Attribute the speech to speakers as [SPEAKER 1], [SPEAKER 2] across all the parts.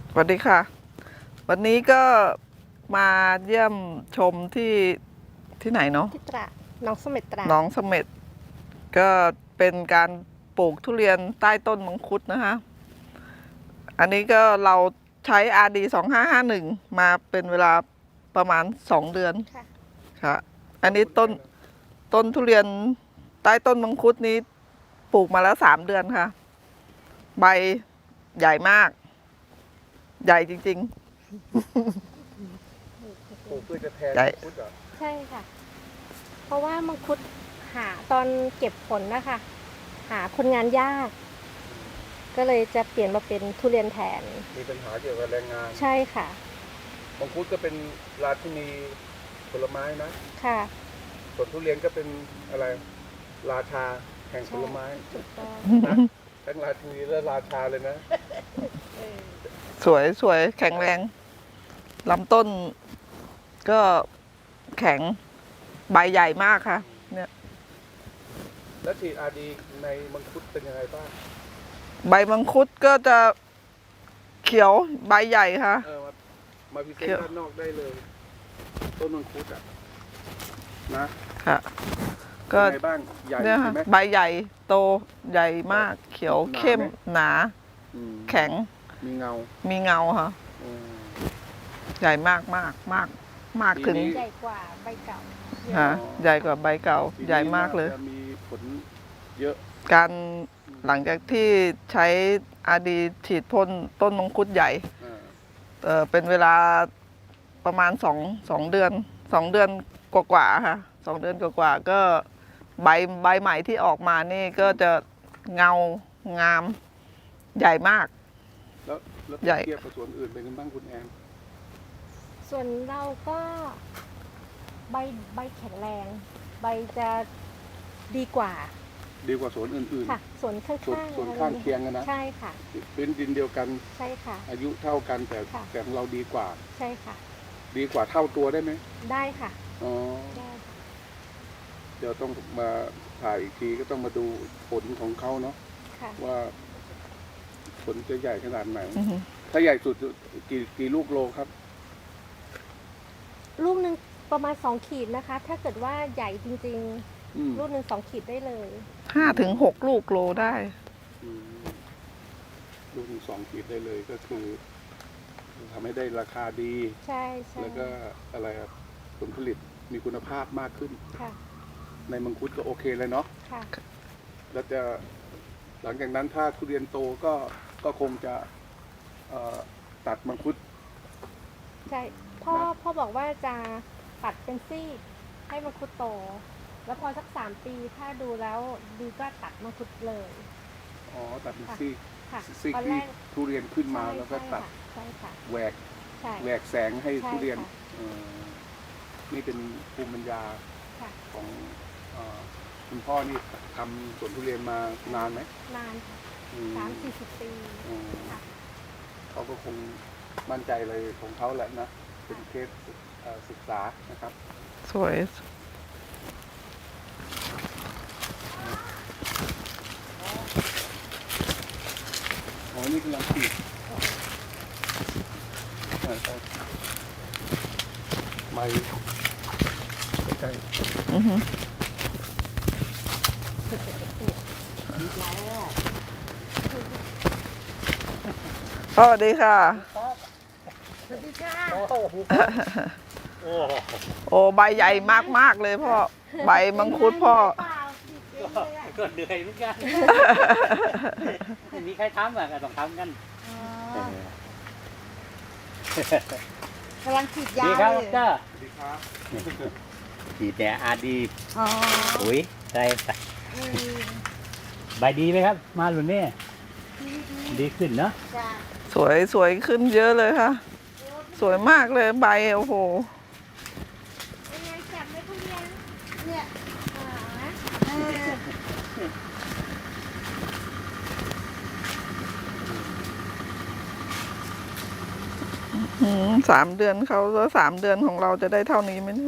[SPEAKER 1] สวัสดีค่ะ วันนี้ก็มาเยี่ยมชมที่ไหนเนาะ
[SPEAKER 2] ที่ตราดหนองเสม็ดตราด
[SPEAKER 1] หนองเสม็ดก็เป็นการปลูกทุเรียนใต้ต้นมังคุดนะคะ อันนี้ก็เราใช้ RD 2551มาเป็นเวลาประมาณ2 เดือน
[SPEAKER 2] ค่ะ
[SPEAKER 1] ค่ะ อันนี้ต้นทุเรียนใต้ต้นมังคุดนี้ปลูกมาแล้ว3 เดือนค่ะ ใบใหญ่มาก ใหญ่จริง
[SPEAKER 3] ปลูกเพื่อจะแทน
[SPEAKER 1] ใช่
[SPEAKER 3] มังคุดเหรอ
[SPEAKER 2] ใช่ค่ะ เพราะว่ามังคุดหาตอนเก็บผลนะคะ หาคนงานยาก ก็เลยจะเปลี่ยนมาเป็นทุเรียนแทน
[SPEAKER 3] มีปัญหาเกี่ยวกับแรงงาน
[SPEAKER 2] ใช่ค่ะ
[SPEAKER 3] มังคุดก็เป็นราชินีผลไม้นะ
[SPEAKER 2] ค่ะ
[SPEAKER 3] ส่วนทุเรียนก็เป็นอะไรราชาแห่งผลไม้
[SPEAKER 2] ถูกต้อง
[SPEAKER 3] นะทั้งราชินีและราชาเลยนะ
[SPEAKER 1] สวยแข็งแรงลำต้นก็แข็งใบใหญ่มากค่ะ เนี่ย
[SPEAKER 3] แล้วฉีดอาดีในมังคุดเป็นยังไงบ้าง
[SPEAKER 1] ใบมังคุดก็จะเขียวใบใหญ่ค่ะ
[SPEAKER 3] มาพิเศษด้านนอกได้เลย ต้นมังคุดอ่ะนะ
[SPEAKER 1] ค่ะ ก็
[SPEAKER 3] เป็นไงบ้างใหญ่
[SPEAKER 1] เนี่ย
[SPEAKER 3] ใช่
[SPEAKER 1] ค่ะ
[SPEAKER 3] ไหม
[SPEAKER 1] ใบใหญ่โตใหญ่มาก เขียว
[SPEAKER 3] หนาไหม
[SPEAKER 1] เข้มหนา
[SPEAKER 3] อืม
[SPEAKER 1] แข็ง
[SPEAKER 3] มีเงา
[SPEAKER 1] มีเงาค่ะ
[SPEAKER 3] อืม
[SPEAKER 1] ใหญ่มากถึง
[SPEAKER 3] ปีนี้
[SPEAKER 2] ใหญ่กว่าใบเก่า
[SPEAKER 1] ฮะใหญ่กว่าใบเก่า
[SPEAKER 3] ปีนี้
[SPEAKER 1] ใหญ่มากเลย
[SPEAKER 3] จะมีผลเยอะ
[SPEAKER 1] การหลังจากที่ใช้อาดีฉีดพ่นต้นมังคุดใหญ่ เป็นเวลาประมาณสองเดือนกว่าๆค่ะ2 เดือนกว่าๆก็ใบใหม่ที่ออกมานี่ก็จะเงางามใหญ่มาก
[SPEAKER 3] แล้ว
[SPEAKER 1] ใหญ่
[SPEAKER 3] เทียบกับสวนอื่นเป็นยังไงบ้างคุณแอน
[SPEAKER 2] ส่วนเราก็ใบแข็งแรง ใบจะดีกว่า
[SPEAKER 3] ดีกว่าสวนอื่น
[SPEAKER 2] ค่ะ ส่วนข้าง
[SPEAKER 3] ส่วน
[SPEAKER 2] ๆ
[SPEAKER 3] ส่วนข้างเคียงกันนะ
[SPEAKER 2] ใช่ค่ะ
[SPEAKER 3] เป็นดินเดียวกัน
[SPEAKER 2] ใช่ค่ะ
[SPEAKER 3] อายุเท่ากันแต่
[SPEAKER 2] ค่ะ
[SPEAKER 3] แต่ของเราดีกว่า
[SPEAKER 2] ใช่ค่ะ
[SPEAKER 3] ดีกว่าเท่าตัวได้ไหม
[SPEAKER 2] ได้ค่ะ
[SPEAKER 3] อ๋อ
[SPEAKER 2] ได้ค่ะ
[SPEAKER 3] เดี๋ยวต้องมาถ่ายอีกทีก็ต้องมาดูผลของเขาเนาะ
[SPEAKER 2] ค่ะ
[SPEAKER 3] ว่าผลจะใหญ่ขนาดไหน
[SPEAKER 1] อือฮึ
[SPEAKER 3] ถ้าใหญ่สุดกี่ลูกโลครับ
[SPEAKER 2] ลูกหนึ่งประมาณ2 ขีดนะคะ ถ้าเกิดว่าใหญ่จริง
[SPEAKER 3] อืม
[SPEAKER 2] ๆ ลูกหนึ่ง2 ขีดได้เลย
[SPEAKER 1] 5 ถึง 6 ลูกโลได้
[SPEAKER 3] อืมลูกหนึ่ง2 ขีดได้เลยก็คือทำให้ได้ราคาดี
[SPEAKER 2] ใช่ใช่
[SPEAKER 3] แล้วก็อะไรครับผลผลิตมีคุณภาพมากขึ้น
[SPEAKER 2] ค่ะ
[SPEAKER 3] ในมังคุดก็โอเคเลยเนาะ
[SPEAKER 2] ค่ะ
[SPEAKER 3] แล้วจะหลังจากนั้นถ้าทุเรียนโตก็คงจะตัดมังคุด
[SPEAKER 2] ใช่พ่อบอกว่าจะตัดเป็นซี่ให้มังคุดโต แล้วพอสัก3 ปีถ้าดูแล้วดีก็ตัดมังคุดเลย
[SPEAKER 3] อ๋อตัดเป็นซี่
[SPEAKER 2] ค่ะ
[SPEAKER 3] ซี่
[SPEAKER 2] ตอน
[SPEAKER 3] ที่
[SPEAKER 2] แรก
[SPEAKER 3] ทุเรียนขึ้นมาแล้วก็ตัด
[SPEAKER 2] ใช่ค่ะ
[SPEAKER 3] แหวก
[SPEAKER 2] ใช่
[SPEAKER 3] แหวกแสงให้
[SPEAKER 2] ใช่
[SPEAKER 3] ทุเรียน
[SPEAKER 2] ค่ะ
[SPEAKER 3] เอ่อนี่เป็นภูมิปัญญา
[SPEAKER 2] ค่ะ
[SPEAKER 3] ของคุณพ่อนี่ทำสวนทุเรียนมานานไหม
[SPEAKER 2] นานค่ะ
[SPEAKER 3] อืม
[SPEAKER 2] 30-40 ปี
[SPEAKER 3] อืม
[SPEAKER 2] ค่ะ
[SPEAKER 3] เขาก็คงมั่นใจเลยของเขาแหละนะเป็นเคสศึกษานะครับ
[SPEAKER 1] สวย
[SPEAKER 3] โอ้นี่กำลังฉีดไม่ใช่
[SPEAKER 1] อือฮึพ่อสวัสดีค่ะ
[SPEAKER 2] สวัสดีค่ะ
[SPEAKER 1] โอ้ใบใหญ่มากเลยพ่อ ใบมังคุดพ่อ
[SPEAKER 4] ก็เหนื่อยเหมือนกัน ไม่มีใครทำอ่ะก็ต้องทำกัน
[SPEAKER 2] กำลังฉีดยา
[SPEAKER 4] ดีครับ
[SPEAKER 2] เล
[SPEAKER 4] ด
[SPEAKER 2] ย
[SPEAKER 4] ร
[SPEAKER 3] สวัสดีครับ
[SPEAKER 4] ฉีดแต่อาดี
[SPEAKER 2] อ๋อ
[SPEAKER 4] ปุ๋ยใส่ใบดีไหมครับ มาหลุนนี่ดีขึ้นเนาะ
[SPEAKER 2] จ้ะ
[SPEAKER 1] สวยขึ้นเยอะเลยค่ะ สวยมากเลยใบโอ้โห
[SPEAKER 2] ยังไงจับไม่ทุเรียนเนี่ย
[SPEAKER 1] 3 เดือนเขาแล้ว3 เดือนของเราจะได้เท่านี้ไหมเนี่ย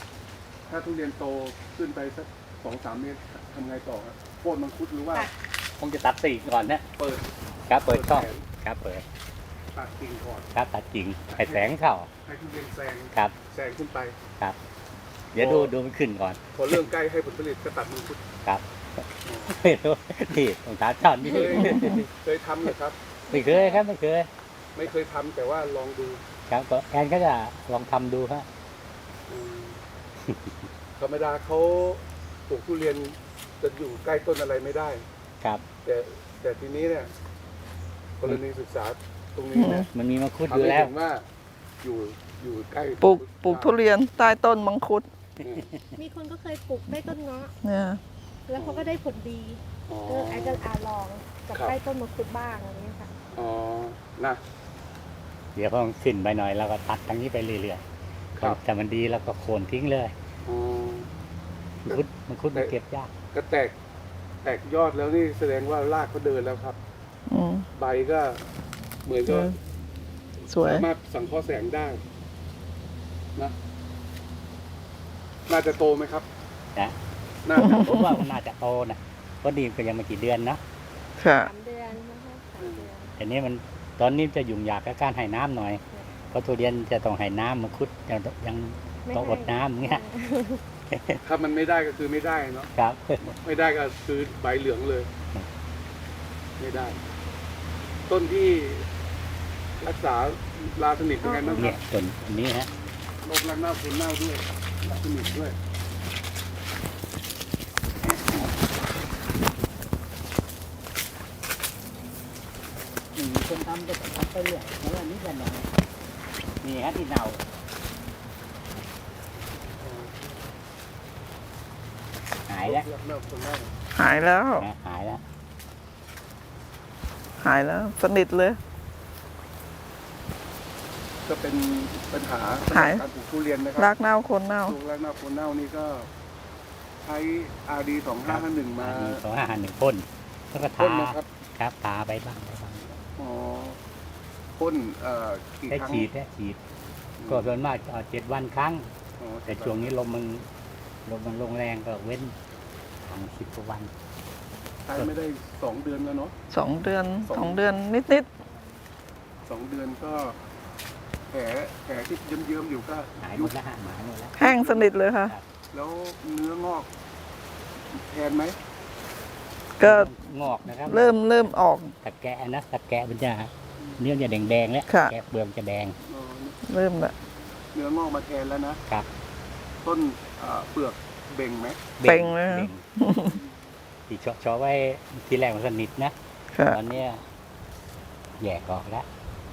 [SPEAKER 3] ถ้าทุเรียนโตขึ้นไปสัก2-3 เมตรทำไงต่อครับโค่นมังคุดหรือว่า
[SPEAKER 4] คงจะตัดสีกก่อนนะ
[SPEAKER 3] เปิด
[SPEAKER 4] ครับเปิดช่อง
[SPEAKER 3] แขน
[SPEAKER 4] ครับเปิด
[SPEAKER 3] ตัดกิ่งก่อน
[SPEAKER 4] ครับตัดกิ่งให้แสงเข้า
[SPEAKER 3] ให้ทุเรียนแซง
[SPEAKER 4] ครับ
[SPEAKER 3] แซงขึ้นไป
[SPEAKER 4] ครับ เดี๋ยวดูมันขึ้นก่อน
[SPEAKER 3] พอเริ่มใกล้ให้ผลผลิตก็ตัดมังคุด
[SPEAKER 4] ครับไม่รู้นี่ตรงตาช่อนนี่
[SPEAKER 3] เคยทำเหรอครับ
[SPEAKER 4] ไม่เคยครับไม่เคย
[SPEAKER 3] ไม่เคยทำแต่ว่าลองดู
[SPEAKER 4] ครับก็แอนก็จะลองทำดูฮะ
[SPEAKER 3] อืมธรรมดาเขาปลูกทุเรียนจะอยู่ใกล้ต้นอะไรไม่ได้
[SPEAKER 4] ครับ
[SPEAKER 3] แต่ทีนี้เนี่ยกรณีศึกษาตรงนี้เนี่ย
[SPEAKER 4] มันมีมังคุดอ
[SPEAKER 3] ทำ
[SPEAKER 4] ยู่
[SPEAKER 3] ให้
[SPEAKER 4] แล้ว
[SPEAKER 3] เห็นว่าอยู่ใกล้
[SPEAKER 1] ปลูกทุเรียนใต้ต้นมังคุด
[SPEAKER 3] อืม
[SPEAKER 2] มีคนก็เคยปลูกใต้ต้นเงาะ
[SPEAKER 1] เนี่ย
[SPEAKER 2] แล้วเขาก็ได้ผลดี
[SPEAKER 3] อ๋อ
[SPEAKER 2] อาจจะลองกับ
[SPEAKER 3] ครับ
[SPEAKER 2] ใต้ต้นมังคุดบ้างอะไรเงี้ยค่ะ
[SPEAKER 3] อ๋อนะ
[SPEAKER 4] เดี๋ยวพอมันขึ้นไปหน่อยเราก็ตัดทางนี้ไปเรื่อย
[SPEAKER 3] ครับ
[SPEAKER 4] ๆแต่มันดีเราก็โค่นทิ้งเลย
[SPEAKER 3] อ๋อ
[SPEAKER 4] มังคุดมันเก็บยาก
[SPEAKER 3] ก็แตกยอดแล้วนี่แสดงว่ารากเขาเดินแล้วครับ
[SPEAKER 1] อืม
[SPEAKER 3] ใบก็เหมือนกับ
[SPEAKER 1] สวย
[SPEAKER 3] สามารถสังเคราะห์แสงได้นะน่าจะโตไหมครับ
[SPEAKER 4] นะ
[SPEAKER 3] น่าจะ
[SPEAKER 4] ผมว่ามันน่าจะโตนะเพราะนี่ก็ยังไม่กี่เดือนนะ
[SPEAKER 1] ค่ะ
[SPEAKER 2] 3 เดือนนะคะ3 เดือน
[SPEAKER 4] แต่นี้มันตอนนี้จะยุ่งยากกับการให้น้ำหน่อยเพราะทุเรียนจะต้องให้น้ำมังคุดยัง
[SPEAKER 2] ไม่
[SPEAKER 4] ต้องอดน้ำเงี้ย
[SPEAKER 3] ถ้ามันไม่ได้ก็คือไม่ได้เนาะ
[SPEAKER 4] ครับ
[SPEAKER 3] ไม่ได้ก็คือใบเหลืองเลย ไม่ได้ ต้นที่รักษาราสนิทยังไงบ้างค
[SPEAKER 4] เนี่
[SPEAKER 3] รั
[SPEAKER 4] ย
[SPEAKER 3] บ
[SPEAKER 4] ต้นนี้ฮะ
[SPEAKER 3] โรครักเน่าคุณเน่าด้วยราสนิทด้วย
[SPEAKER 4] มีคนทำก็ทำไปเรื่อยแล้วอันนี้กันหน่อยนี่ฮะที่เน่าหายแล้ว
[SPEAKER 3] รักเน่าคุณเน่า
[SPEAKER 1] หายแล้ว
[SPEAKER 4] นะหายแล้ว
[SPEAKER 1] หายแล้ว สนิทเลย
[SPEAKER 3] ก็เป็นปัญหา
[SPEAKER 1] หาย
[SPEAKER 3] การปลูกทุเรียนนะค
[SPEAKER 1] รา
[SPEAKER 3] รับ
[SPEAKER 1] กเน่าโคนเน่า
[SPEAKER 3] ลูกรักเน่าคุณเน่านี่ก็ใช้ RD 2551มา
[SPEAKER 4] มี2551พ่นแล้วก็
[SPEAKER 3] พ่น
[SPEAKER 4] ทา
[SPEAKER 3] นะครับ
[SPEAKER 4] ครับทาไปบ้าง
[SPEAKER 3] อ๋อพ่นกี่
[SPEAKER 4] ได้
[SPEAKER 3] ครั้ง
[SPEAKER 4] ฉีดก็ส่วนมาก7 วันครั้ง
[SPEAKER 3] อ๋อ
[SPEAKER 4] แต่ช่วงนี้ลมมันลงแรงก็เว้นทาง10 กว่าวัน
[SPEAKER 3] ใช้ไม่ได้2 เดือนแล้วเนาะ
[SPEAKER 1] 2 เดือน
[SPEAKER 3] สอง
[SPEAKER 1] 2 เดือนนิด
[SPEAKER 3] 2 เดือนก็แผลที่เยิ้มๆอยู่ก็
[SPEAKER 4] หายหม
[SPEAKER 3] ยุ
[SPEAKER 4] ด
[SPEAKER 3] บ
[SPEAKER 4] แล้วฮะหายหมดแล้ว
[SPEAKER 1] ๆ แห้งสนิทเลยค่ะ
[SPEAKER 3] แล้วเนื้องอกแทนไหม
[SPEAKER 1] ก็
[SPEAKER 4] งอกนะครับ
[SPEAKER 1] เริ่มออก
[SPEAKER 4] ตะแกะนะตะแกะมันจะเนื้อจะแดงๆแล้ว
[SPEAKER 1] ค่ะ
[SPEAKER 4] แกะเปลือกจะแดง
[SPEAKER 3] อ๋อ
[SPEAKER 1] เริ่มละ
[SPEAKER 3] เนื้องอกมาแทนแล้วนะครับ ต้นเปลือกเบ่งไหม
[SPEAKER 1] เป่งเลย
[SPEAKER 4] เบ่งที่ชอไว้ทีแรกมันสนิทนะ
[SPEAKER 1] ค่ะ
[SPEAKER 4] ตอนเนี้ยแยกออกแล้ว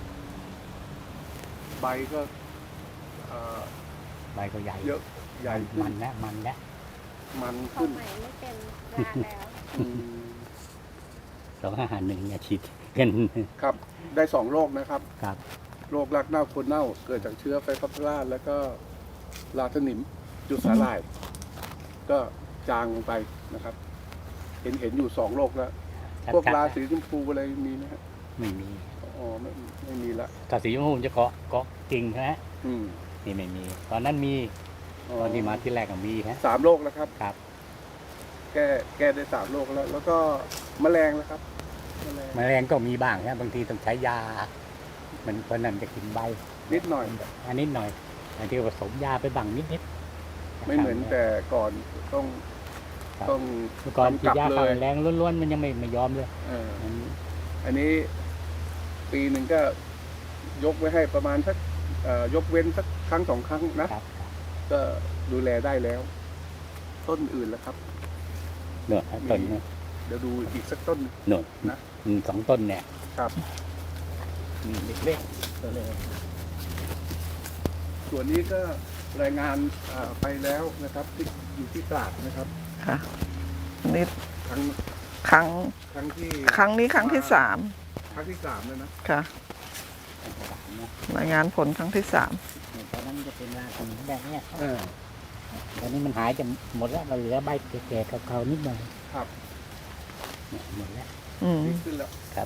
[SPEAKER 3] ใบก็เอ่อ
[SPEAKER 4] ใบก็ใหญ่
[SPEAKER 3] เยอะใหญ่ขึ้
[SPEAKER 4] มัน นแล้วมันแล้ว
[SPEAKER 3] มัน
[SPEAKER 2] ของ
[SPEAKER 3] ขึ้น
[SPEAKER 2] ใหม่ไม่เป็นรากแล้ว
[SPEAKER 3] อืม
[SPEAKER 4] 2551เนี่ยฉีดกัน
[SPEAKER 3] ครับได้2 โรคนะครับ
[SPEAKER 4] ครับ
[SPEAKER 3] โรครากเน่าโคนเน่า เกิดจากเชื้อไฟคอปเตอราแล้วก็ราสนิมจุดสาหร่าย ก็จางลงไปนะครับ เห็นอยู่2 โรคแล้ว พวกราสีชมพูอะไรมีไหมฮะ
[SPEAKER 4] ไม่มี
[SPEAKER 3] อ๋อไม่มีละ
[SPEAKER 4] ถ้าสีชมพูมันจะเกาะกิ่งนะฮะ
[SPEAKER 3] อืม
[SPEAKER 4] นี่ไม่มี ตอนนั้นมีตอนที่มาที่แรกก็มีฮะ
[SPEAKER 3] 3 โรคแล้วครับ
[SPEAKER 4] ครับ
[SPEAKER 3] แก้ได้3 โรคแล้ว แล้วก็แมลงแล้วครับแมลง
[SPEAKER 4] แมลงก็มีบ้างนะบางทีต้องใช้ยา มันเพราะนั้นจะกินใบ
[SPEAKER 3] นิดหน่อย
[SPEAKER 4] อันนิดหน่อยบางทีก็ผสมยาไปบ้างนิดๆ
[SPEAKER 3] ไม่เหมือนแต่ก่อนต้อง
[SPEAKER 4] ครับ
[SPEAKER 3] ต้อง
[SPEAKER 4] เมื่อก่อนฉีดยา
[SPEAKER 3] เล
[SPEAKER 4] ฆ่าย แมลงล้วนๆมันยังไม่ยอมเลย มัน
[SPEAKER 3] อันนี้ปีหนึ่งก็ยกไว้ให้ประมาณสักยกเว้นสักครั้ง 2 ครั้งนะ
[SPEAKER 4] ครับ
[SPEAKER 3] ก็ดูแลได้แล้ว ต้นอื่นแล้วครับ
[SPEAKER 4] หนวดต้นเนี่ย
[SPEAKER 3] เดี๋ยวดูอีกสักต้นหนึ่ง
[SPEAKER 4] หนวด
[SPEAKER 3] นะ
[SPEAKER 4] 2 ต้นเนี่ย
[SPEAKER 3] ครับ
[SPEAKER 4] เล็กๆตัวเลย
[SPEAKER 3] ส่วนนี้ก็รายงานไปแล้วนะครับที่อยู่ที่ตราดนะครับ
[SPEAKER 1] ค่ะอันนี้
[SPEAKER 3] ครั้ง
[SPEAKER 1] ครั้ง
[SPEAKER 3] ครั้งที่
[SPEAKER 1] ครั้งนี้ครั้งที่
[SPEAKER 3] ครั้งที่ 3แล้วนะ
[SPEAKER 1] 3 ค่ะ รายงานผลครั้งที่
[SPEAKER 4] ตอนนั้นจะเป็นราของแบบเนี้ยตอนนี้มันหายจะหมดแล้วเราเหลือใบแก่ๆเขาๆนิดหน่อย
[SPEAKER 3] ครับ
[SPEAKER 4] เนี่ยหมดแล้ว
[SPEAKER 1] 3 อืม
[SPEAKER 3] ดีขึ้นแล้ว
[SPEAKER 4] ครับ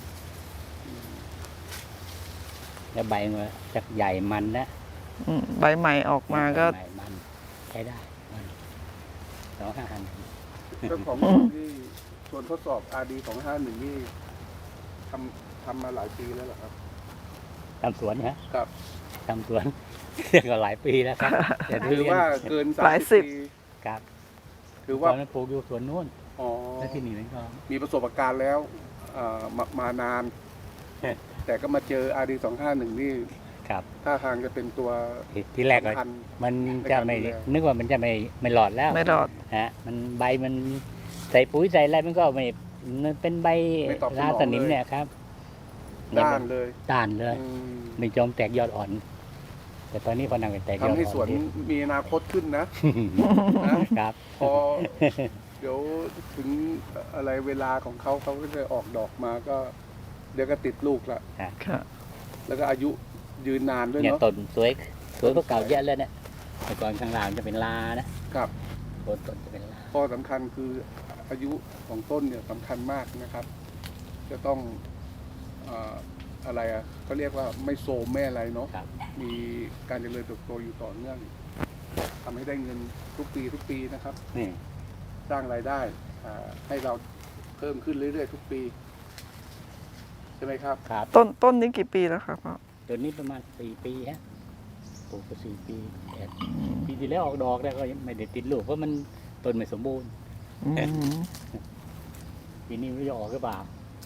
[SPEAKER 4] แล้วใบมันจะใหญ่มันนะ
[SPEAKER 1] ใบใหม่ออกมาก็
[SPEAKER 4] ใบมันใช้ได้มัน251
[SPEAKER 3] เจ้าของที่ส่วนทดสอบ RD 251นี่ทำมาหลายปีแล้วเหรอครับ
[SPEAKER 4] ทำสวนฮะ
[SPEAKER 3] ครับ
[SPEAKER 4] ทำสวน เรียกว่าหลายปีแล้วครับแต่
[SPEAKER 3] ถือ
[SPEAKER 4] เรียน
[SPEAKER 3] ว่าเกิน
[SPEAKER 1] หลายสิบ
[SPEAKER 3] 30 ปี
[SPEAKER 4] ครับ
[SPEAKER 3] ถือ
[SPEAKER 4] ต
[SPEAKER 3] ว่า
[SPEAKER 4] อนนั้นปลูกอยู่สวนนู้น
[SPEAKER 3] อ๋อ
[SPEAKER 4] แล้วที่นี่มันก็
[SPEAKER 3] มีประสบการณ์แล้วมานาน แต่ก็มาเจอ RD 251นี่
[SPEAKER 4] ครับ
[SPEAKER 3] ท่าทางจะเป็นตัว
[SPEAKER 4] ที่แรกก็
[SPEAKER 3] สำคัญ
[SPEAKER 4] มันจะไม่
[SPEAKER 3] ในการดูแล
[SPEAKER 4] นึกว่ามันจะไม่หลอดแล้ว
[SPEAKER 1] ไม่รอด
[SPEAKER 4] ฮะมันใบมันใส่ปุ๋ยใส่อะไรมันก็ไม่มันเป็นใบ
[SPEAKER 3] ไม่ตอบสนอง
[SPEAKER 4] ราสนิมเนี่ยครับ
[SPEAKER 3] ด้านเลย
[SPEAKER 4] ด้านเลย
[SPEAKER 3] อืม
[SPEAKER 4] ไม่ยอมแตกยอดอ่อน แต่ตอนนี้พอนังแตกยอดอ่อน
[SPEAKER 3] ทำให้สวนมีอนาคตขึ้นนะ
[SPEAKER 4] ครับ
[SPEAKER 3] พอเดี๋ยวถึงอะไรเวลาของเขาก็จะออกดอกมาก็ เดี๋ยวก็ติดลูกละ
[SPEAKER 1] ค่ะ
[SPEAKER 3] แล้วก็อายุยืนนานด้วย
[SPEAKER 4] เนี่ย
[SPEAKER 3] เนาะ
[SPEAKER 4] ต้นสวยกว่าเก่าเยอะเลยเนี่ยแต่ก่อนข้างล่างจะเป็นลานะครับ ต้นจะเป็นลา
[SPEAKER 3] ข้อสำคัญคืออายุของต้นเนี่ยสำคัญมากนะครับ จะต้องอะไรอ่ะเขาเรียกว่าไม่โซมไม่อะไรเนาะ
[SPEAKER 4] ครับ
[SPEAKER 3] มีการเจริญเติบโตอยู่ต่อเนื่องทำให้ได้เงินทุกปีนะครับ
[SPEAKER 4] นี่
[SPEAKER 3] สร้างรายได้ให้เราเพิ่มขึ้นเรื่อยๆทุกปี ใช่ไหมครับ
[SPEAKER 4] ครับ
[SPEAKER 1] ต้นนี้กี่ปีแล้วครับพ่อ
[SPEAKER 4] ตัวนี้ประมาณ4 ปีฮะปลูกก็4 ปีแต่ปีที่แล้วออกดอกแล้วก็ยังไม่ได้ติดลูกเพราะมันต้นไม่สมบูรณ์
[SPEAKER 1] อืม
[SPEAKER 4] ปีนี้ไม่รู้จะออกหรือเปล่า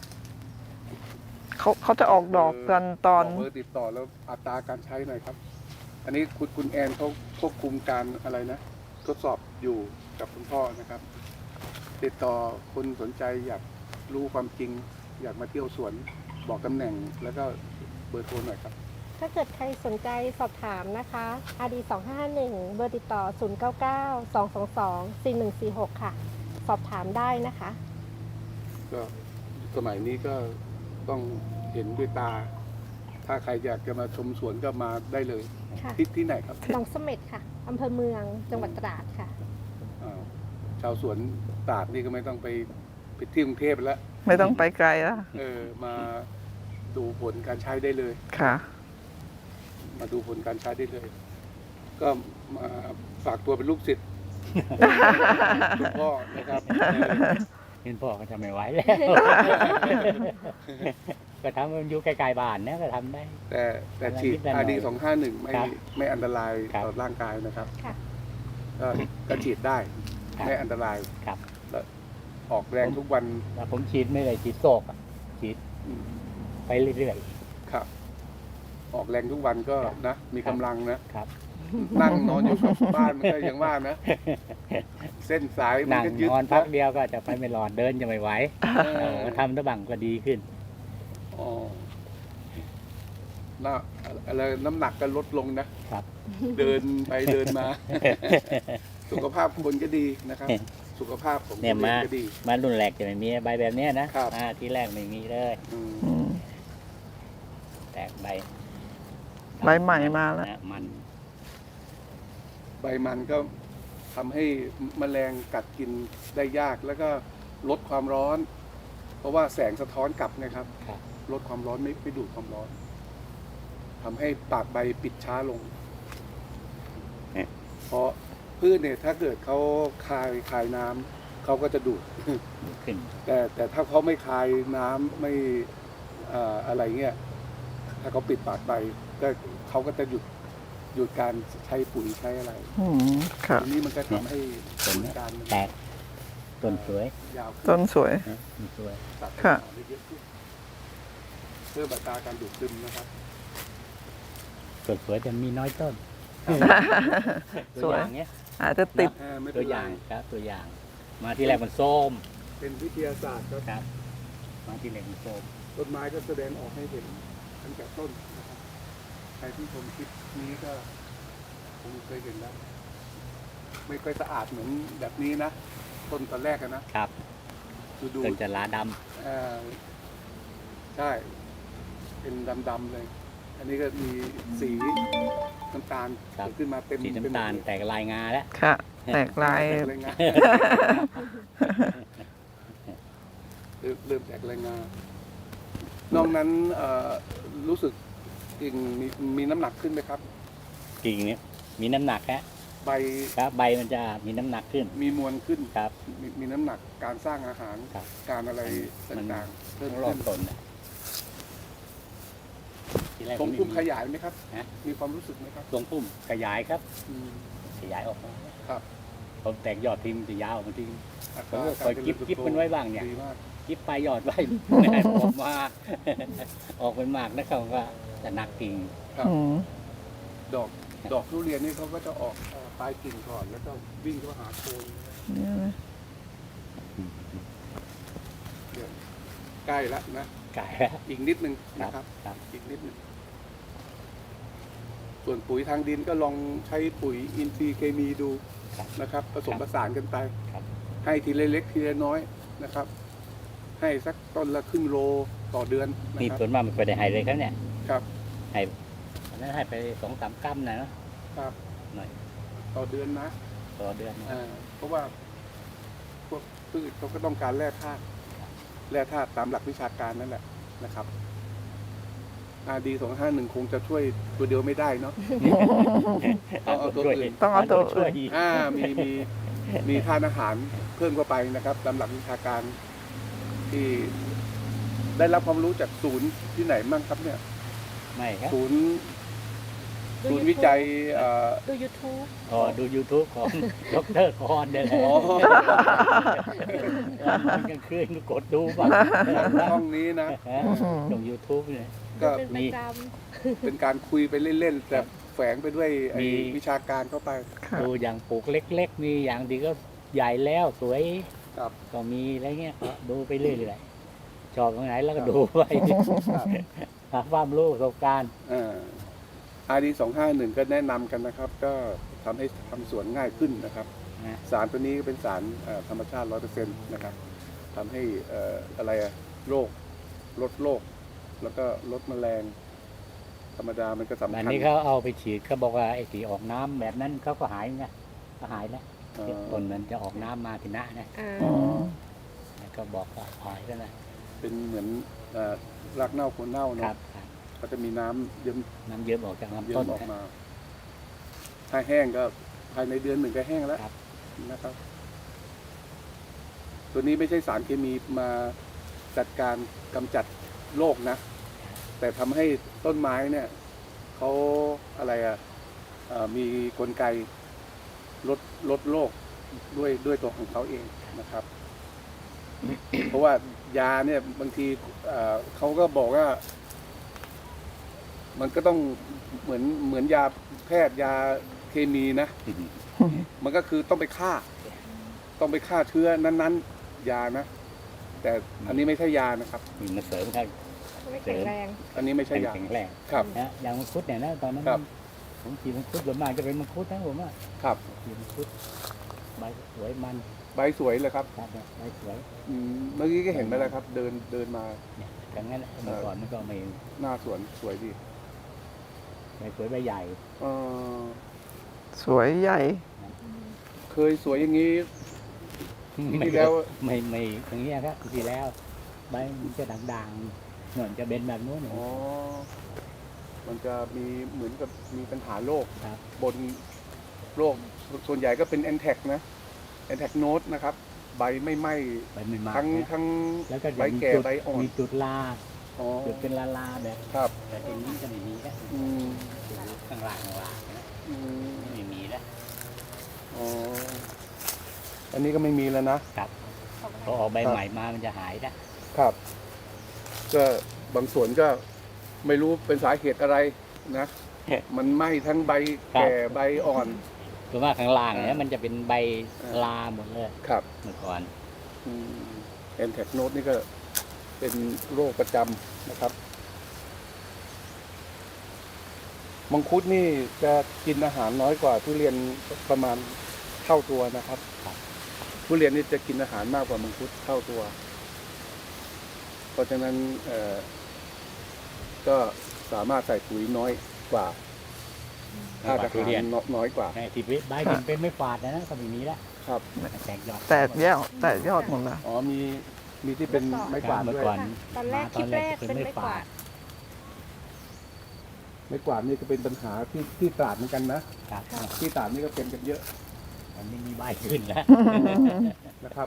[SPEAKER 1] เขาจะออกดอกกันตอน
[SPEAKER 3] บกเบอร์ติดต่อแล้วอัตราการใช้หน่อยครับ อันนี้คุณแอนเขาควบคุมการอะไรนะ ทดสอบอยู่กับคุณพ่อนะครับ ติดต่อคนสนใจอยากรู้ความจริง อยากมาเที่ยวสวนบอกตำแหน่งแล้วก็เบอร์โทรหน่อยครับ
[SPEAKER 2] ถ้าเกิดใครสนใจสอบถามนะคะ RD 251เบอร์ติดต่อ 099-222-4146 ค่ะ สอบถามได้นะคะ
[SPEAKER 3] ก็สมัยนี้ก็ต้องเห็นด้วยตา ถ้าใครอยากจะมาชมสวนก็มาได้เลย
[SPEAKER 2] ค่ะ
[SPEAKER 3] ที่ไหนครับ
[SPEAKER 2] หนองเสม็ดค่ะอำเภอเมืองจังหวัดตราดค่ะ
[SPEAKER 3] อ้าวชาวสวนตราดนี่ก็ไม่ต้องไปที่กรุงเทพแล้ว
[SPEAKER 1] ไม่ต้องไปไกลแล้ว
[SPEAKER 3] มาดูผลการใช้ได้เลย
[SPEAKER 1] ค่ะ
[SPEAKER 3] มาดูผลการใช้ได้เลย ก็มาฝากตัวเป็นลูกศิษย์ คุณพ่อนะครับ
[SPEAKER 4] เห็นพ่อก็ทำไม่ไหวแล้ว ก็ทำมันอยู่ไกลๆบ้านนะก็ทำได้
[SPEAKER 3] แต่ฉีด
[SPEAKER 4] นิดๆหน่อย
[SPEAKER 3] RD 251
[SPEAKER 4] ครับ
[SPEAKER 3] ไม่อันตราย
[SPEAKER 4] ครับ
[SPEAKER 3] ต่อร่างกายนะครับ
[SPEAKER 2] ค่ะ
[SPEAKER 3] ก็ฉีดได้
[SPEAKER 4] ครับ
[SPEAKER 3] ไม่อันตราย
[SPEAKER 4] ครับ
[SPEAKER 3] แล้วออกแรงทุกวัน
[SPEAKER 4] แต่ผมฉีดไม่ได้ฉีดโศกอะฉีด
[SPEAKER 3] อืม
[SPEAKER 4] ไปเรื่อย
[SPEAKER 3] ครับ ออกแรงทุกวันก็
[SPEAKER 4] ครับ
[SPEAKER 3] นะ มีกำลังนะ
[SPEAKER 4] ๆครับ
[SPEAKER 3] นั่งนอนอยู่กับบ้านมันก็ยังว่านะ เส้นสายมัน
[SPEAKER 4] นั่ง
[SPEAKER 3] ก็ยึด
[SPEAKER 4] นอนพักเดียวก็จะไปไม่รอดเดินจะไม่ไหว
[SPEAKER 3] เออ
[SPEAKER 4] ก็ทำตะบังก็ดีขึ้น
[SPEAKER 3] อ๋อน่าอะไรน้ำหนักก็ลดลงนะ
[SPEAKER 4] ครับ
[SPEAKER 3] เดินไปเดินมา สุขภาพคนก็ดีนะครับ สุขภาพของ
[SPEAKER 4] เนี่ย
[SPEAKER 3] คน
[SPEAKER 4] มา
[SPEAKER 3] ก็ดี
[SPEAKER 4] มารุ่นแรกจะไม่มีใบแบบเนี้ยนะครับ ที่แรกไม่มีเลย
[SPEAKER 3] อืม
[SPEAKER 1] อืม
[SPEAKER 4] แตกใบ
[SPEAKER 1] ใบใหม่มาแล้ว
[SPEAKER 4] นะมัน
[SPEAKER 3] ใบมันก็ทำให้แมลงกัดกินได้ยากแล้วก็ลดความร้อน เพราะว่าแสงสะท้อนกลับนะครับ
[SPEAKER 4] ครับ
[SPEAKER 3] ลดความร้อนไม่ดูดความร้อนทำให้ปากใบปิดช้าลง เพราะพืชเนี่ยถ้าเกิดเขาคายน้ำเขาก็จะดูด
[SPEAKER 4] ขึ้น
[SPEAKER 3] แต่ถ้าเขาไม่คายน้ำไม่อะไรเงี้ยถ้าเขาปิดปากใบก็เขาก็จะหยุดการใช้ปุ๋ยใช้อะไร
[SPEAKER 1] อืมค่ะ
[SPEAKER 3] ทีนี้มันก็ทำให้
[SPEAKER 4] ต้น
[SPEAKER 3] ผล
[SPEAKER 4] เนี้ย
[SPEAKER 3] การมัน
[SPEAKER 4] แตกต้นสวย
[SPEAKER 3] ยาวขึ้
[SPEAKER 1] ต้นสวย
[SPEAKER 4] นะต้นสวย
[SPEAKER 3] ตัด
[SPEAKER 1] ค่ะ
[SPEAKER 3] ได้เยอะขึ้นเพื่อบัตราการดูดซึมนะครับ
[SPEAKER 4] ต้นสวยแต่มีน้อยต้น
[SPEAKER 1] ส
[SPEAKER 4] ตัว
[SPEAKER 1] วย
[SPEAKER 4] อย่างเนี้ย
[SPEAKER 1] อาจจะติด
[SPEAKER 3] ไม่
[SPEAKER 4] ตั
[SPEAKER 3] เป็
[SPEAKER 4] วน อ
[SPEAKER 3] ไร
[SPEAKER 4] ย่างครับตัวอย่าง มาที่แรกมันส้ม
[SPEAKER 3] เป็นวิทยาศาสตร์ครับ
[SPEAKER 4] ครับ มาที่แรกมันส้ม
[SPEAKER 3] ต้นไม้ก็แสดงออกให้เห็นตั้งแต่ต้นนะครับใครที่ชมคลิปนี้ก็คงเคยเห็นแล้ว ไม่ค่อยสะอาดเหมือนแบบนี้นะ ต้นตอนแรกอะนะครับ ดู
[SPEAKER 4] ต้นจะลาด
[SPEAKER 3] ใช่ เป็นดำๆเลย อันนี้ก็มีสีน้ำตาล
[SPEAKER 4] ครับ
[SPEAKER 3] เกิดขึ้นมาเต็ม
[SPEAKER 4] ำสีน้ำตาล
[SPEAKER 3] ไปหมด
[SPEAKER 4] แตกลายงาแล้ว
[SPEAKER 1] ค่ะ แตกลาย
[SPEAKER 3] แตกแรงงาน เริ่มแตกแรงงานนอกนั้นรู้สึกกิ่งมีน้ำหนักขึ้นไหมครับ
[SPEAKER 4] กิ่งเนี้ยมีน้ำหนักฮะ
[SPEAKER 3] ใบ
[SPEAKER 4] ครับใบมันจะมีน้ำหนักขึ้น
[SPEAKER 3] มีมวลขึ้น
[SPEAKER 4] ครับ
[SPEAKER 3] มีน้ำหนักการสร้างอาหาร
[SPEAKER 4] ครับ
[SPEAKER 3] การอะไร
[SPEAKER 4] มัน
[SPEAKER 3] ต่างๆเพิ่ม
[SPEAKER 4] รอ
[SPEAKER 3] ขึ้
[SPEAKER 4] บ
[SPEAKER 3] น
[SPEAKER 4] ต้นนะทีแรก
[SPEAKER 3] ทรงพุ่ม
[SPEAKER 4] ไ
[SPEAKER 3] ขยายไหมครับ
[SPEAKER 4] ฮะ
[SPEAKER 3] มีความรู้สึกไหมครับ
[SPEAKER 4] ทรงพุ่มขยายครับ
[SPEAKER 3] อืม
[SPEAKER 4] ขยายออกมา
[SPEAKER 3] ครับ
[SPEAKER 4] ผมแตกยอดทิ้งจะยาวออกมาทิ้ง
[SPEAKER 3] อัต
[SPEAKER 4] ผม
[SPEAKER 3] รา
[SPEAKER 4] ก็คอยกิ๊บมันไว้บ้างเนี่ย
[SPEAKER 3] ดีมาก
[SPEAKER 4] กิ๊บไปยอดไว้ ออกมา ออกเป็นหมากนะครับว่าจะหนักกิ่ง
[SPEAKER 3] ครับ
[SPEAKER 1] อืม
[SPEAKER 3] ดอกทุเรียนนี่เขาก็จะออกปลายกิ่งก่อน แล้วก็วิ่งเข้าหาโคน
[SPEAKER 1] เนี่ยนะ
[SPEAKER 3] เนี่ยใกล้แล้วนะ
[SPEAKER 4] กายแล้ว
[SPEAKER 3] อีกนิดนึง
[SPEAKER 4] ครั
[SPEAKER 3] นะ
[SPEAKER 4] บ
[SPEAKER 3] ครับ
[SPEAKER 4] ครับ
[SPEAKER 3] อีกนิดนึงส่วนปุ๋ยทางดินก็ลองใช้ปุ๋ยอินทรีย์เคมีดู
[SPEAKER 4] ครับ
[SPEAKER 3] นะครับ ผสมผสานกันไป
[SPEAKER 4] ครับ
[SPEAKER 3] ให้ทีละเล็กทีละน้อยนะครับ ให้สักต้นละครึ่งโลต่อเดือนนะ
[SPEAKER 4] นี่
[SPEAKER 3] ครับ
[SPEAKER 4] ส่วนมากมันไปได้ให้เลยครับเนี่ย
[SPEAKER 3] ครับ
[SPEAKER 4] ให้อันนั้นให้ไป2-3 กรัมนะเนอะ
[SPEAKER 3] ครับ
[SPEAKER 4] หน่อย
[SPEAKER 3] ต่อเดือนนะ
[SPEAKER 4] ต่อเดือนนะ
[SPEAKER 3] เพราะว่าพวกพืชเขาก็ต้องการแร่ธาตุตามหลักวิชาการนั่นแหละนะครับRD 251คงจะช่วยตัวเดียวไม่ได้เนาะ ต้องเอาตัวอื่น
[SPEAKER 1] ต้องเอาตัว
[SPEAKER 4] ช่วย
[SPEAKER 1] อื่น
[SPEAKER 3] มีทานอาหารเพิ่มเข้าไปนะครับตามหลักวิชาการที่ได้รับความรู้จากศูนย์ที่ไหนบ้างครับเนี่ย
[SPEAKER 4] ไม่ครับ
[SPEAKER 3] ศูนย์วิจัย
[SPEAKER 2] ดู YouTube
[SPEAKER 4] อ๋อดู YouTube ของ ดรคอนเด้อ
[SPEAKER 3] อ๋อ
[SPEAKER 4] วันกลางคืนก็กดดูบ้าง
[SPEAKER 3] ช่องนี้นะ
[SPEAKER 4] ลง YouTube เนี่ย
[SPEAKER 3] ก็
[SPEAKER 2] เป็นประจ
[SPEAKER 3] เป็นการคุยไปเล่นๆแต่แฝงไปด้วยไอ้
[SPEAKER 4] มี
[SPEAKER 3] วิชาการเข้าไป
[SPEAKER 1] ค่ะ
[SPEAKER 4] ดูอย่างปลูกเล็ก ๆ มีอย่างดีก็ใหญ่แล้วสวย
[SPEAKER 3] ครับ
[SPEAKER 4] ก็มีอะไรเงี้ยก็ดูไปเรื่อยๆชอบตรงไหนแล้วก็ดูไป
[SPEAKER 3] ครับ
[SPEAKER 4] หาความรู้ประสบการณ์
[SPEAKER 3] RD 251ก็แนะนำกันนะครับ ก็ทำให้ทำสวนง่ายขึ้นนะครับ
[SPEAKER 4] นะ
[SPEAKER 3] สารตัวนี้ก็เป็นสารธรรมชาติ 100% นะครับทำให้โรคลดโรคแล้วก็ลดแมลง ธรรมดามันก็สำ
[SPEAKER 4] อัน
[SPEAKER 3] คัญ
[SPEAKER 4] นี้เขาเอาไปฉีดเขาบอกว่าไอ้ที่ออกน้ำแบบนั้นเขาก็หายไงก็หายแล้ว
[SPEAKER 3] เอ่อ
[SPEAKER 4] ต้นมันจะออกน้ำมาทีหน้านะ
[SPEAKER 2] ำอ่า
[SPEAKER 1] อ๋อ
[SPEAKER 4] แล้วก็บอกว่าหายแล้วนะ
[SPEAKER 3] เป็นเหมือนรากเน่าโคนเน่า
[SPEAKER 4] ครั
[SPEAKER 3] เนาะ
[SPEAKER 4] บครับ
[SPEAKER 3] ก็จะมีน้ำเยิ้ม
[SPEAKER 4] น้ำเยิ้มออกจาก
[SPEAKER 3] เยิ้
[SPEAKER 4] ลำต้น
[SPEAKER 3] มออก
[SPEAKER 4] นะ
[SPEAKER 3] มา ถ้าแห้งก็ภายในเดือนหนึ่งก็แห้งแล้ว
[SPEAKER 4] ครับ
[SPEAKER 3] นะครับ ตัวนี้ไม่ใช่สารเคมีมาจัดการกำจัดโรคนะ แต่ทำให้ต้นไม้เนี่ยเขามีกลไกลดโรคด้วยตัวของเขาเองนะครับ เพราะว่ายาเนี่ยบางทีเขาก็บอกว่า มันก็ต้องเหมือนยาแพทย์ยาเคมีนะ มันก็คือต้องไปฆ่าเชื้อนั้นๆ ยานะ แต่อันนี้ไม่ใช่ยานะครับ
[SPEAKER 4] มีมาเสริมครับ
[SPEAKER 2] ไม่แข็งแรง
[SPEAKER 3] อันนี้ไม่ใช่ยา
[SPEAKER 4] แข็งแรง
[SPEAKER 3] ครับ
[SPEAKER 4] นะอย่างมังคุดเนี่ยนะตอนนั้น
[SPEAKER 3] ครับ
[SPEAKER 4] ผมกินมังคุดส่วนมากจะเป็นมังคุดนะผมว่า
[SPEAKER 3] ครับ
[SPEAKER 4] กินมังคุดใบสวยมัน
[SPEAKER 3] ใบสวยเลยครับ
[SPEAKER 4] ครับใบสวย
[SPEAKER 3] เมื่อกี้ก็เห็นไปแล้วครับ เดินมา
[SPEAKER 4] เนี่ยอย่างนั้นแหละเมื่อก่อนมันก็ไม่
[SPEAKER 3] หน้าสวนสวยดี
[SPEAKER 4] ใบสวยใบใหญ่
[SPEAKER 3] เอ่อ
[SPEAKER 1] สวยใหญ่
[SPEAKER 3] เคยสวยอย่างนี้
[SPEAKER 4] ไม่
[SPEAKER 3] ที่แล้ว
[SPEAKER 4] ไม่อย่างเงี้ยครับที่แล้วใบมันจะด่างๆเหมือนจะเป็นแบบนู้น
[SPEAKER 3] อ๋อ มันจะมีเหมือนกับมีปัญหาโรค
[SPEAKER 4] ครับ
[SPEAKER 3] บนโรคส่วนใหญ่ก็เป็นแอนแทกนะแอนแทกโนดนะครับ ใบไม่ไหม้
[SPEAKER 4] ใบไม่มาก
[SPEAKER 3] ทั้ง
[SPEAKER 4] นะ
[SPEAKER 3] ทั้ง
[SPEAKER 4] แล้วก็
[SPEAKER 3] ใบ
[SPEAKER 4] มี
[SPEAKER 3] แก่
[SPEAKER 4] จุด
[SPEAKER 3] ใบอ่อน
[SPEAKER 4] มีจุดลา
[SPEAKER 3] อ๋อ
[SPEAKER 4] จุดเป็นลาแบบ
[SPEAKER 3] ครับ
[SPEAKER 4] แต่ทีนี้จะไม่มีแล้ว
[SPEAKER 3] อืม
[SPEAKER 4] ข้างล่างนะ
[SPEAKER 3] อืม
[SPEAKER 4] ไม่มีแล้ว
[SPEAKER 3] อ๋อ อันนี้ก็ไม่มีแล้วนะ
[SPEAKER 4] ครับพอออกใบใหม่มามันจะหายแล้ว
[SPEAKER 3] ครับ ก็บางส่วนก็ไม่รู้เป็นสาเหตุอะไรนะ มันไหม้ทั้งใบแก่ใบอ่อน
[SPEAKER 4] คือว่าข้างล่างเนี่ยมันจะเป็นใบลาหมดเลย
[SPEAKER 3] ครับ
[SPEAKER 4] เมื่อก่อน
[SPEAKER 3] แอนแทกโนดนี่ก็เป็นโรคประจำนะครับ มังคุดนี่จะกินอาหารน้อยกว่าทุเรียนประมาณเท่าตัวนะครับ ทุเรียนนี่จะกินอาหารมากกว่ามังคุดเท่าตัว เพราะฉะนั้นก็สามารถใส่ปุ๋ยน้อยกว่าถ้าอาหารน้อยกว่า
[SPEAKER 4] ไอ้ที่ใบมันเป็นไม่ฝาดนะก็ไม่มีแล้ว
[SPEAKER 3] ครับ
[SPEAKER 4] แตกยอด
[SPEAKER 1] แตกยอดหมดแล้ว
[SPEAKER 3] อ๋อมีที่เป็นไม้กวาด
[SPEAKER 4] เมื่
[SPEAKER 3] ด้
[SPEAKER 4] อ
[SPEAKER 3] วย
[SPEAKER 4] ก่อน
[SPEAKER 2] ตอนแรกคลิปแรกเป็นไม่กวาด
[SPEAKER 3] ไม้กวาดนี่ก็เป็นปัญหาที่ตราดเหมือนกันนะครับ ที่ตราดนี่ก็เป็นกันเยอะ
[SPEAKER 4] อันนี้มีใบขึ้นแล้ว
[SPEAKER 3] นะครับ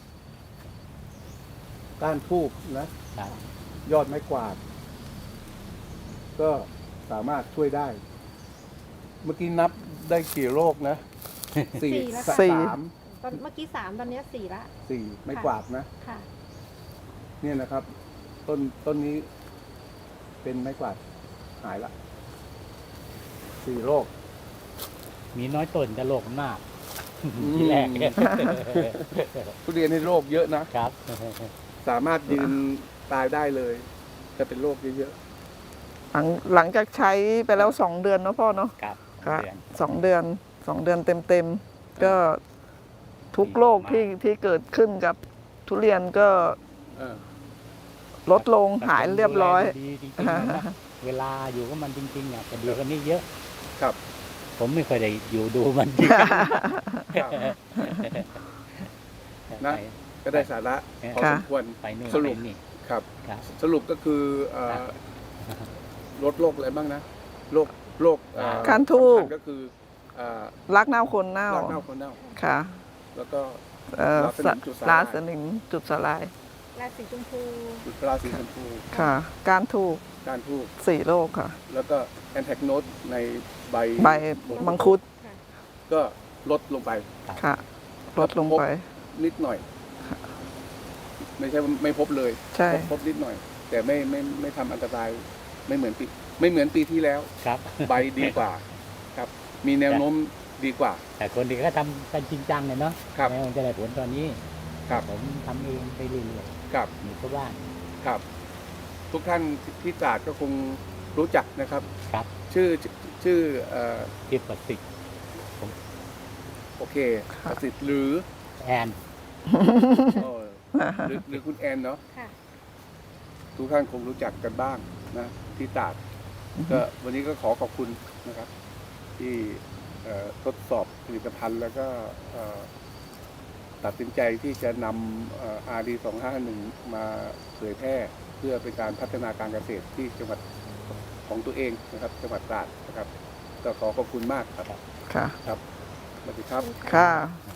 [SPEAKER 3] ก้านทูบนะ
[SPEAKER 4] ครับ
[SPEAKER 3] ยอดไม้กวาด ก็สามารถช่วยได้ เมื่อกี้นับได้กี่โรคนะสี่
[SPEAKER 2] แล้ว
[SPEAKER 3] ส
[SPEAKER 2] ค่ะ
[SPEAKER 3] าม
[SPEAKER 2] ตอนเมื่อกี้3ตอนนี้4ละ
[SPEAKER 3] สี่ไม้กวาดนะ
[SPEAKER 2] ค่ะ
[SPEAKER 3] เนี่ยนะครับ ต้นนี้เป็นไม้กวาดหายละ4 โรค
[SPEAKER 4] มีน้อยต้นจะโรคมากที่แรก
[SPEAKER 3] ทุเรียนในโรคเยอะนะ
[SPEAKER 4] ครับ
[SPEAKER 3] สามารถยืนตายได้เลยจะเป็นโรคเยอะ
[SPEAKER 1] หลังจากใช้ไปแล้ว2 เดือนเนาะพ่อเนาะ
[SPEAKER 4] ครับ
[SPEAKER 1] ค่ะ
[SPEAKER 4] เดือน
[SPEAKER 1] 2 เดือน 2 เดือนเต็มๆก็ทุกโรคที่เกิดขึ้นกับทุเรียนก็
[SPEAKER 3] ๆเออ
[SPEAKER 1] ลดลงหายเรียบร้อย
[SPEAKER 4] ดีจริงๆนะเวลาอยู่กับมันจริงๆอ่ะจะดีกว่านี้เยอะ
[SPEAKER 3] ครับ
[SPEAKER 4] ผมไม่เคยได้อยู่ดูมันจริง
[SPEAKER 3] ครับ นะ ก็ได้สาระพอสมควร
[SPEAKER 4] ไปนู่น
[SPEAKER 3] สรุป
[SPEAKER 4] ไปนี่
[SPEAKER 3] ครับ
[SPEAKER 4] ครับ
[SPEAKER 3] สรุปก็คือลดโรคอะไรบ้างนะโรค
[SPEAKER 1] การทูบ
[SPEAKER 3] สำคัญก็คืออ่า
[SPEAKER 1] รักเน่าคนเน่าร
[SPEAKER 3] ากเน่าคนเน่า
[SPEAKER 1] ค่ะ
[SPEAKER 3] แล้วก็
[SPEAKER 1] ราสนิมจุดสลาย
[SPEAKER 2] ราสีชมพู
[SPEAKER 3] จุดราศีชมพู
[SPEAKER 1] ค่ะ การถูก
[SPEAKER 3] การทูบ
[SPEAKER 1] 4 โรคค่ะ
[SPEAKER 3] แล้วก็แอนแทกโนตในใบ
[SPEAKER 1] ใบมังคุด
[SPEAKER 2] ค่ะ
[SPEAKER 3] ก็ลดลงไป
[SPEAKER 1] ค่ะ ลดลงไป
[SPEAKER 3] นิดหน่อย ไม่ใช่ว่าไม่พบเลย
[SPEAKER 1] ใช่
[SPEAKER 3] พบนิดหน่อย แต่ไม่ทำอันตรายไม่เหมือนปีที่แล้ว
[SPEAKER 4] ครับ
[SPEAKER 3] ใบดีกว่า ครับ มีแนวโน้มดีกว่า
[SPEAKER 4] แต่คนที่เขาทำกันจริงจังเนี่ยเนาะ
[SPEAKER 3] ครับ
[SPEAKER 4] แม้มันจะได้ผลตอนนี้
[SPEAKER 3] ครับ
[SPEAKER 4] ผมทำเองไปเรื่อย
[SPEAKER 3] ครับ
[SPEAKER 4] ๆอยู่กับบ้าน
[SPEAKER 3] ครับ ทุกท่านที่ตราดก็คงรู้จักนะครับ
[SPEAKER 4] ครับ
[SPEAKER 3] ชื่อ
[SPEAKER 4] ที่ประสิทธิ์
[SPEAKER 3] โอเคประสิทธิ์หรือ
[SPEAKER 4] แอน
[SPEAKER 3] เออหรือคุณแอนเนาะ
[SPEAKER 2] ค่ะ
[SPEAKER 3] ทุกท่านคงรู้จักกันบ้างนะที่ตราดก็วันนี้ก็ขอขอบคุณนะครับ ที่ทดสอบผลิตภัณฑ์แล้วก็ตัดสินใจที่จะนำRD 251มาเผยแพร่เพื่อเป็นการพัฒนาการเกษตรที่จังหวัดของตัวเองนะครับ จังหวัดตราดนะครับก็ขอขอบคุณมากครับ
[SPEAKER 1] ค่ะ
[SPEAKER 3] ครับสวัสดีครับ
[SPEAKER 1] ค่ะ